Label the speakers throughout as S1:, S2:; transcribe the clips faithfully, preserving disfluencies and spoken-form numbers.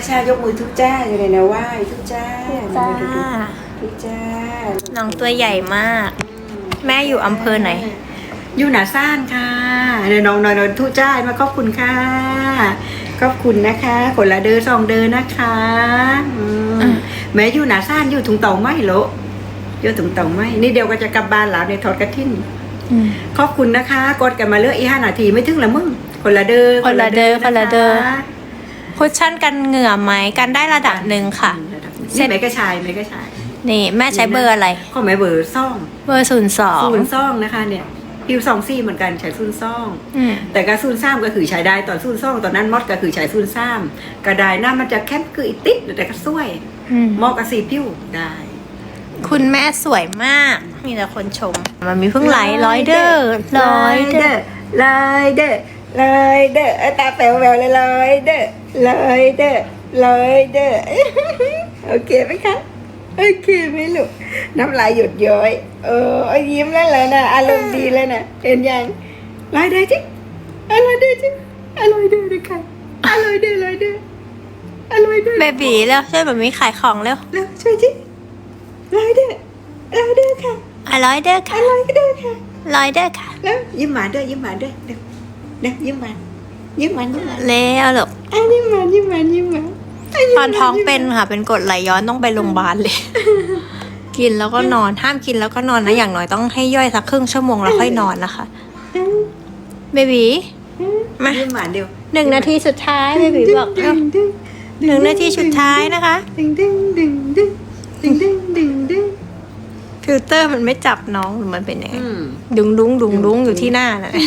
S1: ชายกมือทุกจ้าเลยนะไหว้ทุกจ้า
S2: จ้า
S1: ทุกจ้า
S2: น้องตัวใหญ่มาก แม่อยู่อำเภอไหน
S1: อยู่หนาซ่านค่ะเดี๋ยวน้องนอนทุกจ้ามาขอบคุณค่ะขอบคุณนะคะคนละเดินสองเดินนะคะอืมแม่อยู่หนาซ่านอยู่ถุงเต่าไหมโลอยู่ถุงเต่าไหมนี่เดี๋ยวก็จะกลับบ้านแล้วในทอดกระถิ่นขอบคุณนะคะกดกันมาเลือกอีห้านาทีไม่ถึงละมึงคนละเดิน
S2: คนละเดินคนละเดิน คุชชั่นกันเหงื่อไหมกันได้ระดับหนึ่งค่ะ
S1: นี่ไม่กระชายไม่กระชาย
S2: นี่แม่ใช้เบอร์อะไร
S1: ข้อหมายเบอร์ซ่อง
S2: เบอร์ศูนย์สอง
S1: ศูนย์ซ่องนะคะเนี่ยพิวซองซี่เหมือนกันใช้ซูนซ่อง
S2: อืม
S1: แต่กระซูนซ่ามก็คือใช้ได้ตอนซูนซ่องตอนนั้นมอดก็คือใช้ซูนซ่ามกระไดหน้ามันจะแค่คืออีติดแต่ก็สวย
S2: อืม
S1: เหมอกระสีพิวได้
S2: คุณแม่สวยมาก มีแต่คนชม มันมีเพิ่งไหลร้อยเด้อร้อยเด้อ
S1: ลอยเด้อลอยเด้อตาแป๋วแววเลยลอยเด้อลอยเด้อลอยเด้อโอเคไหมคะโอเคไหมลูกน้ำลายหยดย้อยเออยิ้มแล้วเลยนะอารมณ์ดีแล้วนะเห็นยังลอยเด้อจิอร่อยเด้อจิอร่อยเด้อนะคะอร่อยเด้ออร่อยเด้ออร่อยเด้อ
S2: เบบีแล้วช่วยแบบมีขายของเร็ว
S1: แล้วช่วยจิลอยเด้อลอยเด้อค่ะ
S2: อ่ะร้อยเด้อ
S1: อ
S2: ค่ะ
S1: ร่อยเด้อค่ะ
S2: ร้อยเด้อค่ะ
S1: แล้วยิ้มหวานด้วยยิ้มหวานด้วยเดี๋ยวเดี๋ยวยิ้มหวานยิ้มหวานยิ้มหวาน
S2: เล้วลูก
S1: อันนี้หวานยิ้มหวานยิ้มหวาน
S2: ตอนท้องเป็นค่ะ เป็นกรดไหลย้อนต้องไปโรงพยาบาลเลย กินแล้วก็นอนห้ามกินแล้วก็นอนนะอย่างน้อยต้องให้ย่อยสักครึ่งชั่วโมงแล้วค่อยนอนนะคะเบบีมา
S1: ยิ้มหวานเดียว
S2: หนึ่งนาทีสุดท้ายเบบีบอกเร็วหนึ่งนาทีสุดท้ายนะคะ
S1: ดึงดึงดึงดึงดึงดึงดึงดึง
S2: ฟิลเตอร์มันไม่จับน้องหรือมันเป็นยังไง
S1: อืม
S2: ดุงดุงดุงดุงอยู่ที่หน้าน่ะ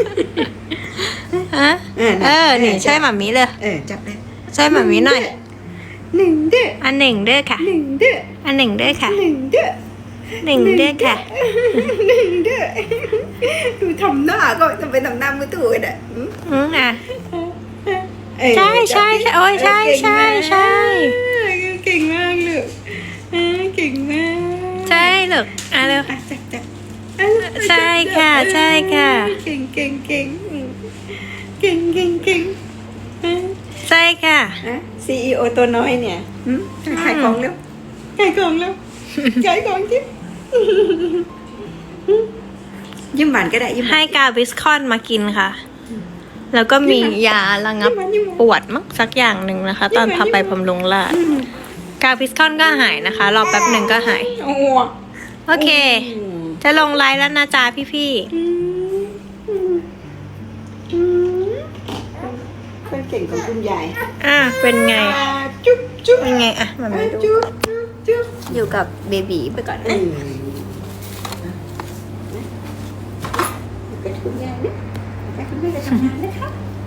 S2: ฮะ
S1: เออ
S2: เออนี่ใช่หมามีเลย
S1: เออจับเลย
S2: ใช่หมามีหน่อย
S1: หนึ่งเด้อ
S2: อันหนึ่งเด้อค่ะ
S1: หนึ่งเด้อ
S2: อันหนึ่งเด้อค่ะ
S1: หนึ่งเด้อ
S2: หนึ่งเด้อค่ะ
S1: หนึ่งเด้อดูทำหน้าก็จะไปทำหน้ามือถือน่ะ
S2: อืมอ่ะ
S1: เออ
S2: ใช่ใช่ใช่โอ้ยใช่ใช่ใช่
S1: เก่งมากลูกเออเก่งมาก
S2: ใช่ลูกอ่ะเร็ว
S1: อ่ะจับจับ
S2: ใช่ค่ะใช่ค่ะ
S1: เก่งเก่งเก่งเก่งเก่งเก่ง
S2: ใช่ค่ะ
S1: อ่ะซีอีโอตัวน้อยเนี่ยหืมขายของแล้วขายของแล้วขายของจิ๊บยิ้มหวานก็ได้ยิ้มหวา
S2: ให้
S1: น
S2: กาวิสคอนมากินค่ะ แล้วก็มียาระงับปวดมั้งสักอย่างหนึ่งนะคะ ตอนพาไปบำรุงราษฎร์กาวิสคอนก็หายนะคะ รอแป๊บหนึ่งก็หาย
S1: โอ้
S2: โอเค จะลงไลน์แล้วนะจ๊ะพี่
S1: อืมอืมอืมคนเก่งของคุณยาย
S2: ๆ อ่ะ เป็นไง
S1: อ่าจุ๊บจุ๊บ
S2: เป็นไงอ่ะมันไม่ดู
S1: จุ๊บจุ๊บจุ๊บ
S2: อยู่กับเบบีไปก่อน
S1: อืมกระคุณยายนะกระคุณแม่จะทำงานนะคะ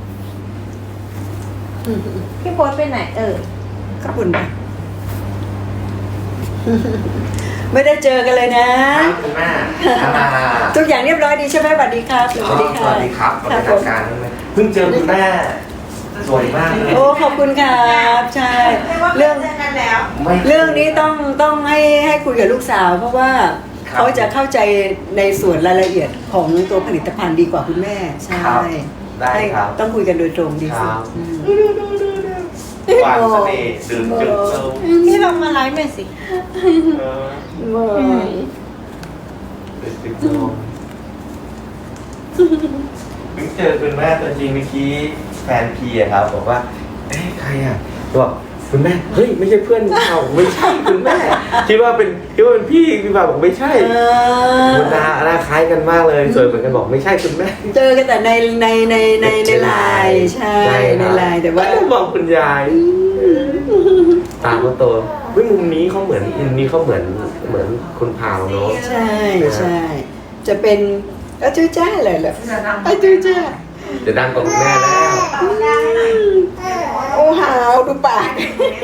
S1: อืม
S2: พี่โพสไปไหนเออ
S1: ขอบคุณค่ะไม่ได้เจอกันเลยนะ
S3: ครับคุณแม่อ่า
S1: ทุกอย่างเรียบร้อยดีใช่ไหมสวัสดีครับส
S3: อ๋อ
S1: วัสดี
S3: ส
S1: ค่ะ
S3: วัสดีครับสวัส
S1: ครั
S3: ดี
S1: บผ
S3: ทาม งการด้วยเพิ่งเจอคุณแม่สวยมากเลย
S1: โอ้ขอบคุณครับใช่เรื่อง
S3: ไม่
S1: เรื่องนี้ต้องต้องให้ให้คุยกับลูกสาว เพราะว่า
S3: ครับ
S1: เขาจะเข้าใจในส่วนรายละเอียดของตัวผลิตภัณฑ์ดีกว่าคุณแม่ใช่
S3: ครับได้
S1: ให้
S3: ครับ
S1: ต้องคุยกันโดยตรงดี
S3: ครั
S1: สุด
S3: บ
S1: อืม
S3: วางเสน่ห์ดื่มจุดเซล
S2: พี่ลองมาไลฟ์หน่อยสิ
S3: เออ
S1: เมื่อ
S3: ดื่มจุดเซลเพิ่งเจอคุณแม่ตัวจริงเมื่อกี้แฟนพีอะครับบอกว่าเอ้ยใครอะบอกคุณแม่เฮ้ยไม่ใช่เพื่อนเราไม่ใช่คุณแม่คิดว่าเป็นคิดว่าเป็นพี่พี่บ่าวบอกไม่ใช่
S1: เอ
S3: คุณหน้า
S1: อ
S3: หน้าคล้ายกันมากเลยสวยเหมือนกันบอกไม่ใช่คุณแม่
S1: เจอกันแต่ในในในในในไลน์ใช่
S3: ช่
S1: ใน
S3: ครับ
S1: ไลน์แต่ว่า
S3: ก็บอกคุณยายตาเขาโตเฮ้ยมุมนี้เขาเหมือนมุมนี้เขาเหมือนเหมือนคุณพาวเนาะ
S1: ใช่ใช่จะเป็นอาจูจ้าเลยเหรออาจูจ้า
S3: เดี๋ยวดังกว่าคุณแม่แล้ว
S1: โอ้หาวดูปาก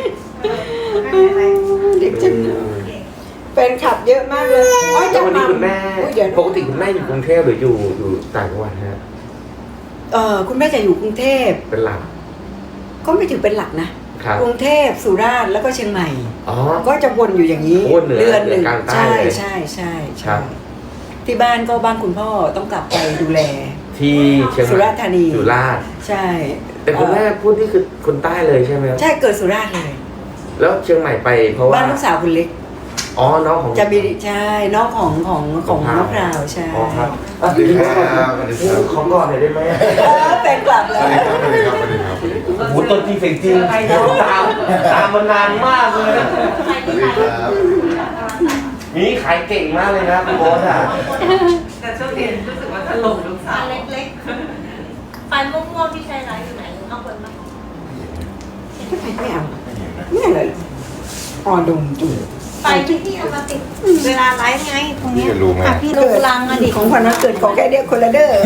S1: เด็กจังแฟนคลับเยอะมากเลยอ๋อ
S3: แล้
S1: จะ
S3: ววันนี้
S1: มา
S3: คุณแม่
S1: เดี๋ยว
S3: ปกติคุณแม่อยู่กรุงเทพหรืออยู่อยู่ต่างจังหวัดฮะ
S1: เออคุณแม่จะอยู่กรุงเทพ
S3: เป็นหลัก
S1: ก็ไม่ถือเป็นหลักนะครับ กรุงเทพสุราษฎร์แล้วก็เชียงใหม่
S3: อ๋อ
S1: ก็จะวนอยู่อย่างนี้
S3: วนเหนือ
S1: เดือนหนึ่ง
S3: เหนือกลางใต้
S1: ใช่
S3: เลย
S1: ใช่ใช่
S3: ครั
S1: ใช่
S3: บ
S1: ที่บ้านก็บ้านคุณพ่อต้องกลับไปดูแล
S3: ที่เชียงใหม่
S1: สุราษฎร์ธานี
S3: สุราษฎร์
S1: ใช่
S3: แต่คุณแม่พูดนี่คือคนใต้เลยใช่ไหมครับ
S1: ใช่เกิดสุราษฎร์เลย
S3: แล้วเชียงใหม่ไปเพราะว่า
S1: บ้านลูกสาวคุณเล็ก
S3: อ๋อน้องของ
S1: จะมีใช่น้องของของของมะพร้าวใช่
S3: อ๋อครับอ่ะเดี๋ยวนี้ของก่อนหน่อยได้ไหม
S1: เออเป็นกลับเลย
S3: โอ้โหตัวจริงเสียงจริงตามตามมานานมากเลยนะนี่ขายเก่งมากเลยนะคุณโบ๊ทอ่ะ
S4: แต่ช่วงนี้รู้สึกว่าถล่มลูกสาว
S2: เล็กๆไฟม่วงๆที่ใช้ไลฟ์อยู่ไหนเอาคนมา
S1: ไม่เอาเนี่ยเลยอ่อนดุมจุ่ม
S2: ไฟที่พี่เอามาติดเวลาไลฟ์ไงตรงเนี้ย
S5: พี่จะรู้ไหม
S2: อ่ะพี่ลูกลังอะดิ
S1: ของขวัญวันเกิดของแค่เดียวคนละเด้อ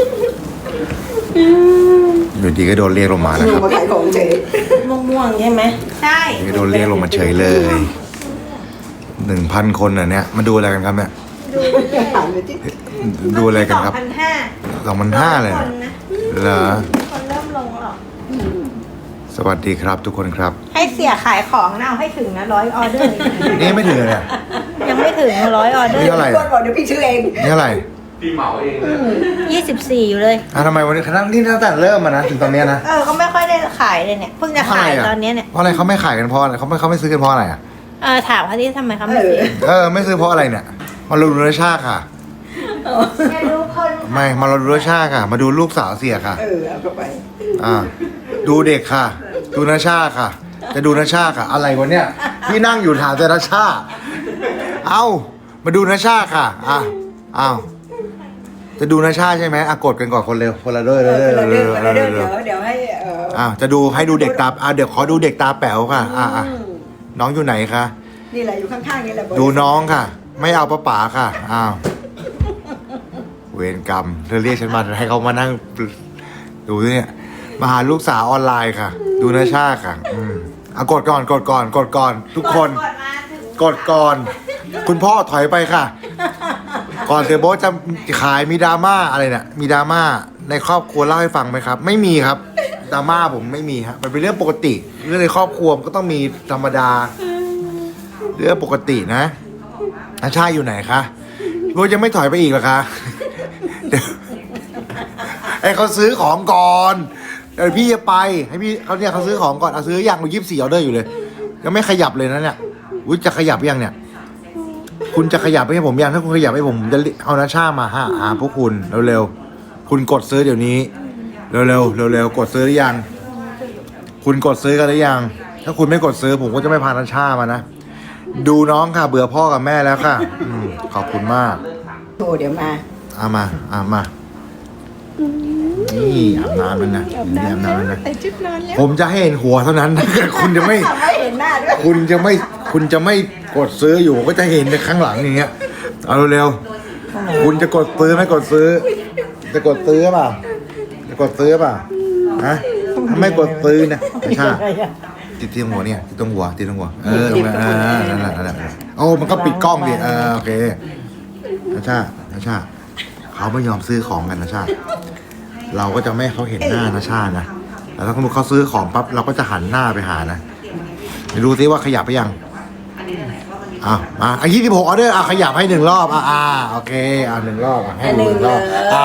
S5: อยู่ดีก็โดนเรียกลงมา
S1: ห
S5: นะ
S1: นู
S5: ครับ
S1: มาขายของเฉย
S2: ม่วงๆใช่ไหมใช่
S5: อยู่ดีก็โดนเรียกลงมาเฉยเลยหนึ่งพันคนอ่ะเนี่ยมาดูอะไรกันครับเนี่ย
S2: ดูเลย
S1: ถามเลยที่
S5: ดูอะไรกันครับ
S2: สองพันห้า
S5: สองพันห้าเลย
S2: ค
S5: นะ
S2: นนะ
S5: เหรอ
S2: คนเริ่มลงหรอก
S5: สวัสดีครับทุกคนครับ
S2: ให้เสียขายของนะเอาให้ถึงนะร้อยออเดอร์
S5: นี่ไม่ถึงเลยเนี่ย
S2: ยังไม่ถึงร้อยออเดอ
S5: นี่
S2: ร์
S5: เท่าไหร่
S1: พี่บอกเดี๋ยวพี่ซื้อเอง
S5: นี่อะไร
S3: พี่เหมาเองเลย
S2: ยี่สิบสี่อยู่เลย
S5: อ่ะทำไมวันนี้คณะนี่ตั้งแต่เริ่มมานะถึงตอนเนี้ยนะ
S2: เออก็ไม่ค่อยได้ขายเลยเนี่ยเพิ่งจะขาย
S5: เพราะอะไรอ่ะ
S2: ตอนเนี้ยเนี่ย
S5: เพราะอะไรเขาไม่ขายกันเพราะอะไรเขาไม่เขาไม่ซื้อกันเพราะอะไรอ่ะ
S2: เออถามเขาที่ทำไมเขาไม่ซื้อ
S5: เออไม่ซื้อเพราะอะไรเนี่ยมาดูรสชาติค่ะ
S2: จะดูคน
S5: ไม่มาดูรสชาติค่ะ มาดูลูกสาวเสียค่ะ
S1: เออเอาเข้าไป
S5: อ่าดูเด็กค่ะ ดูนาชาค่ะ จะดูนาชาค่ะ อะไรวะเนี่ยพี่นั่งอยู่ถามแต่นาชาเอ้ามาดูนาชาค่ะอ่ะอ้าวจะดูนาชาใช่ไหมอ่ะกดกันก่อนคนเร็วคนละเด้อ
S1: เอ
S5: เด้อ
S1: อคนละ
S5: เด้
S1: เด้
S5: อ
S1: อคนละเด้อ
S5: เด้
S1: เดี๋ย
S5: อ
S1: วเดี๋ยวให้เออ
S5: อ่ะจะดูให้ดูเด็กตาอ่ะเดี๋ยวขอดูเด็กตาแป๋วค่ะอ่ะอ่ะน้องอยู่ไหนคะ
S1: นี่แหละอยู่ข้างๆนี่แหละ
S5: ดูน้องค่ะ ไม่เอาป้าป๋าค่ะอ้าวเวรกรรมเธอเรียกฉันมาให้เขามานั่งดูเนี่ยมาหาลูกสาวออนไลน์ค่ะ ดูนาชาค่ะ อืมอ่ะกดก่อนกดก่อนกดก่อน ทุกคน
S2: กดมาถึง
S5: กดก่อน คุณพ่อถอยไปค่ะ ก่อนเสียโบ๊ทจะขายมีดราม่าอะไรเนี่ยมีดราม่าในครอบครัวเล่าให้ฟังไหมครับ ไม่มีครับดราม่าผมไม่มีครับมันเป็นเรื่องปกติ เรื่องในครอบครัวมันก็ต้องมีธรรมดา เรื่องปกตินะอาชาอยู่ไหนคะโบ๊ทยังไม่ถอยไปอีกเหรอคะเดี๋ยวให้เขาซื้อของก่อนเดี๋ยวพี่จะไปให้พี่เขาเนี่ยเขาซื้อของก่อนเอาซื้ออย่างยี่สิบสี่ออเดอร์อยู่เลยยังไม่ขยับเลยนะเนี่ยอุ้ยจะขยับยังเนี่ย คุณจะขยับให้ผมยังถ้าคุณขยับให้ผมผมจะเอานาชามาหาหาพวกคุณเร็วๆคุณกดซื้อเดี๋ยวนี้เร็วๆเร็วๆกดซื้อหรือยังคุณกดซื้อกันหรือยังถ้าคุณไม่กดซื้อผมก็จะไม่พานาชามานะดูน้องค่ะเบื่อพ่อกับแม่แล้วค่ะอืมขอบคุณมาก
S1: โทรเดี๋ยวมา
S5: เอามาเอามานี่อาบน้ำแล้วนะนี่อาบน้ำแล้วนะ
S1: ใส่ชุดนอนแล้ว
S5: ผมจะให้เห็นหัวเท่านั้น คุณจะไม่
S1: ทำให้เห็นหน้าด้วย
S5: คุณจะไม่คุณจะไม่กดซื้ออยู่ก็จะเห็นในข้างหลังอย่างเงี้ยเอาเร็วๆคุณจะกดซื้อไม่กดซื้อ จะกดซื้อเปล่าจะกดซื้อเปล่าฮะถ้าไม่กดซื้อนะไม่ใช่ติดที่ตรงหัวเนี่ยติดตรงหัวติดตรงหัวเออตรงนั้นเออนั่นแหละนั่นแหละโอ้มันก็ปิดกล้องดิเออโอเคนะชานะชาเขาไม่ยอมซื้อของกันนะชาเราก็จะไม่ให้เขาเห็นหน้านะชานะแล้วถ้าสมมติเขาซื้อของปั๊บเราก็จะหันหน้าไปหานะเดี๋ยวดูซิว่าขยับไปยังอ่ะมาอ่ะยี่สิบหกออเดอร์อ่ะขยับให้หนึ่งรอบอ่ะอ่าโอเคอ่ะหนึ่งรอบอ่ะให้หนึ่งรอบอ่า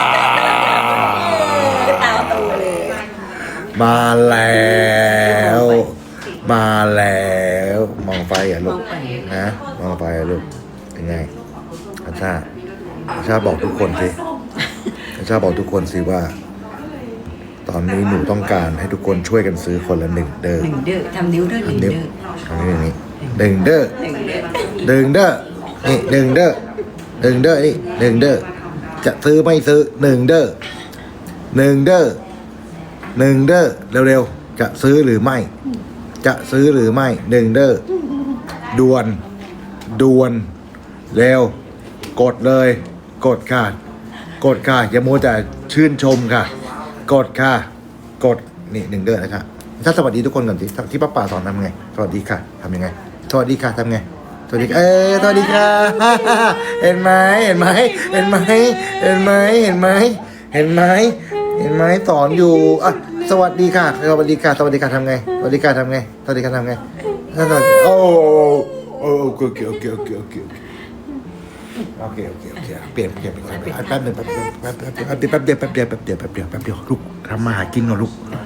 S1: ตาโตเลย
S5: มาแล้ว มาแล้วมองไฟอ่ะลูกนะมองไฟอ่ะลูกเป็นไงอาชาอาชาบอกทุกคนสิอาชาบอกทุกคนสิว่า ตอนนี้หนูต้องการให้ทุกคนช่วยกันซื้อคนละหนึ่งเด้อ
S1: หนึ่งเด้อทำนิ้วด้วยหนึ่ง
S5: ทำนิ้ว
S1: เด้อ
S5: ทำนิ้วอย่างนี้หนึ่งเด้อ
S1: หนึ่งเด้อ
S5: หนึ่งเด้อนี่หนึ่งเด้อหนึ่งเด้อนี่หนึ่งเด้อจะซื้อไม่ซื้อหนึ่งเด้อหนึ่งเด้อหนึ่งเด้อเร็วๆจะซื้อหรือไม่ จะซื้อหรือไม่หนึ่งเด้อด่วนด่วนเร็วกดเลย กดค่ะ กดค่ะอย่าโมวแต่ชื่นชมค่ะ กดค่ะ กดนี่หนึ่งเด้อนะครับถ้าสวัสดีทุกคนก่อนสิที่ป้าป่าสอนทำไงสวัสดีค่ะทำยังไงสวัสดีค่ะทำไงสวัสดีเออสวัสดีค่ะ เห็นไหมเห็นไหมเห็นไหมเห็นไหมเห็นไหมเห็นไหมเห็นไหมสอนอยู่อ่ะสวัสดีค่ะสวัสดีค่ะสวัสดีค่ะทำไงสวัสดีค่ะทำไงสวัสดีค่ะทำไงสวัสดีโอ้โอ้โอเคโอเคโอเคโอเคโอเคโอเคโอเคเปลี่ยนเปลี่ยนเปลี่ยนแป๊บนึงแป๊บนึงแป๊บแป๊บแป๊บเดียวแป๊บเดียวแป๊บเดียวแป๊บเดียวแป๊บเดียวลูกทำมาหากินก่อนลูก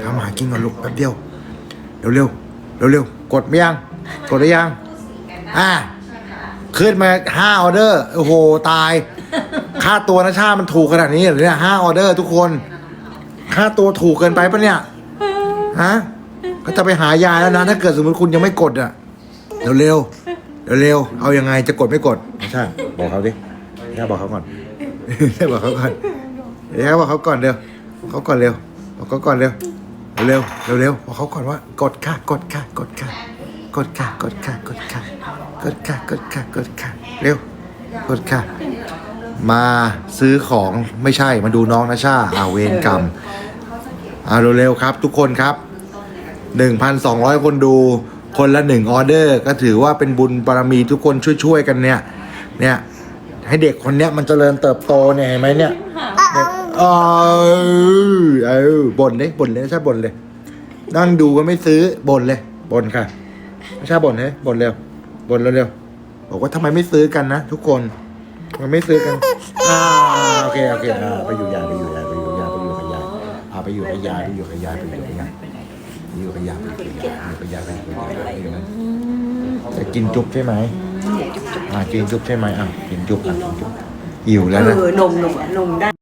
S5: ำหากินก่อนลูกแป๊บเดียวเร็วเร็วเร็วเร็วๆกดไม่ยังกดได้ยังอ่าขึ้นมาห้าออเดอร์โอ้โหตายค่าตัวนะชามันถูกขนาดนี้เหรอเนี่ยห้าออเดอร์ทุกคนค่าตัวถูกเกินไปปะเนี่ยฮะก็จะไปหายาแล้วนะถ้าเกิดสมมติคุณยังไม่กดอ่ะเร็วเร็วเร็วเร็วๆเอายังไงจะกดไม่กดไม่ใช่บอกเขาดิแค่บอกเขาก่อนแค่บอกเขาก่อนแค่บอกเขาก่อนเร็วเขาก่อนเร็วบอกเขาก่อนเร็วเร็วเร็วเร็วบอกเขาก่อนว่ากดค่ะกดค่ะกดค่ะกดค่ะกดค่ะกดค่ะกดค่ะกดค่ะกดค่ะเร็วกดค่ะมาซื้อของไม่ใช่มาดูน้องนะชาอาเวรกรรมอ่าเร็วๆครับทุกคนครับ หนึ่งพันสองร้อย คนดูคนละหนึ่งออเดอร์ก็ถือว่าเป็นบุญบารมีทุกคนช่วยๆกันเนี่ยเนี่ยให้เด็กคนเนี้ยมันเจริญเติบโตเนี่ยเห็นไหมเนี่ยเนี่ยเออเออบ่นเลยบ่นเลยใช่บ่นเลยนั่งดูก็ไม่ซื้อบ่นเลยบ่นค่ะไม่ใช่บ่นเลยบ่นเร็วบ่นเร็วๆบอกว่าทำไมไม่ซื้อกันนะทุกคนมันไม่ซื้อกันอ่าโอเคโอเคอ่าไปอยู่ยายไปอยู่ยายไปอยู่ยายไปอยู่กับยายอ่าไปอยู่กับยายไปอยู่กับยายไปอยู่กับยายอยู่กับยาไปอยู่กับยาไปอยู่กับยาไปอยู่นะจะกินจุ๊บใช่ไหมอ่ากินจุ๊บใช่ไหมอ่ะกินจุ๊บอ่ะกินจุ๊บหิวแล้วนะ
S1: เออนมนมนมได้